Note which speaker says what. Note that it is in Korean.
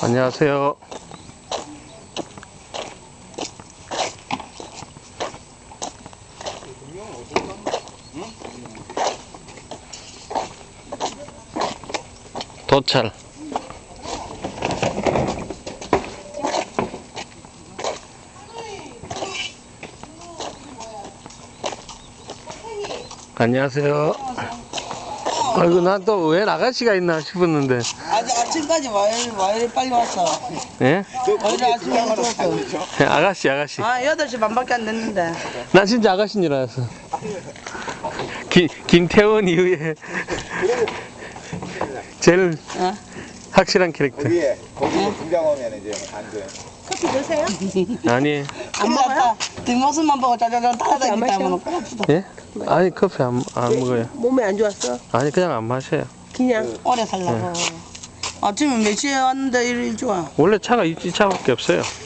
Speaker 1: 안녕하세요. 도찰. 안녕하세요. 아이고, 난 또 웬 아가씨가 있나 싶었는데.
Speaker 2: 아침까지 와이를 빨리 왔어.
Speaker 1: 예?
Speaker 2: 와이를 아침에 왔어.
Speaker 1: 아가씨.
Speaker 2: 8시 반밖에 안 됐는데.
Speaker 1: 난 진짜 아가씨인 줄 알았어. 김태원 이후에 제일 확실한 캐릭터.
Speaker 3: 위에 거기 등장하면 이제 안 돼.
Speaker 4: 커피 드세요?
Speaker 1: 아니.
Speaker 2: 안 먹어요? 뒷모습만 보고 짜자잔 따라다니까 하면
Speaker 1: 예? 아니, 커피 안 먹어요.
Speaker 4: 몸에 안 좋았어?
Speaker 1: 아니, 그냥 안 마셔요.
Speaker 4: 그냥
Speaker 2: 오래 살라고. 아침에 몇 시에 왔는데 이리 좋아.
Speaker 1: 원래 차가 이 차밖에 없어요.